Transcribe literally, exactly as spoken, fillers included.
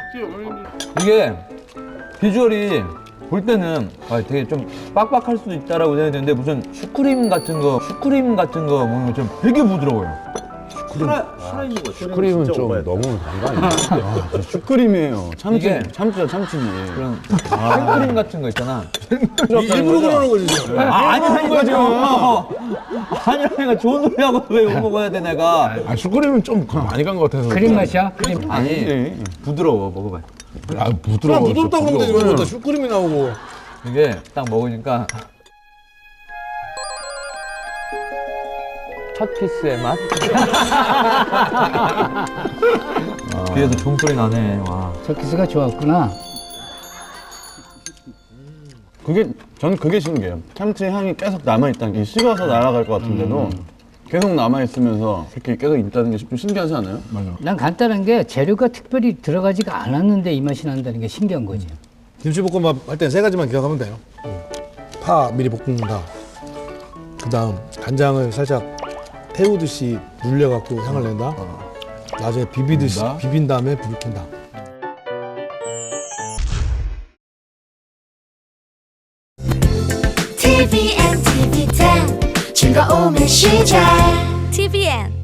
이게 비주얼이 볼 때는 아, 되게 좀 빡빡할 수도 있다라고 생각했는데 무슨 슈크림 같은 거, 슈크림 같은 거 먹으면 좀 되게 부드러워요. 살아, 살아있는 거 슈크림은 좀 너무 단거 아니야? 슈크림이에요. 참치, 이게- 참치죠, 참치지. 그런 생크림 같은 거 있잖아. 일부러 그러는 거지 지금. 아, 아니라니까 아니라니까 좋은 소리 하고 왜 욕 먹어야 돼 내가. 아, 슈크림은 좀 많이 간 것 같아서. 크림 맛이야? 크림. 아니 아니지. 부드러워 먹어봐. 아, 그냥 부드러워. 부드럽다 그러면 되지 왜 또 슈크림이 나오고. 이게 딱 먹으니까 첫 키스의 맛? 뒤에서 종소리 나네. 와. 첫 키스가 좋았구나. 그게, 전 그게 신기해요. 참치 향이 계속 남아있다는 게 식어서 날아갈 것 같은데도 계속 남아있으면서 이렇게 계속 있다는 게 좀 신기하지 않아요? 맞아. 난 간단한 게 재료가 특별히 들어가지가 않았는데 이 맛이 난다는 게 신기한 거지. 김치볶음밥 할 땐 세 가지만 기억하면 돼요. 파 미리 볶는다. 그 다음 간장을 살짝 태우듯이 눌려갖고 향을 낸다. 나중에 비비듯이 낸다. 비빈 다음에 불을 켠다. 티비엔, 티비텐 즐거움의 시작 티비엔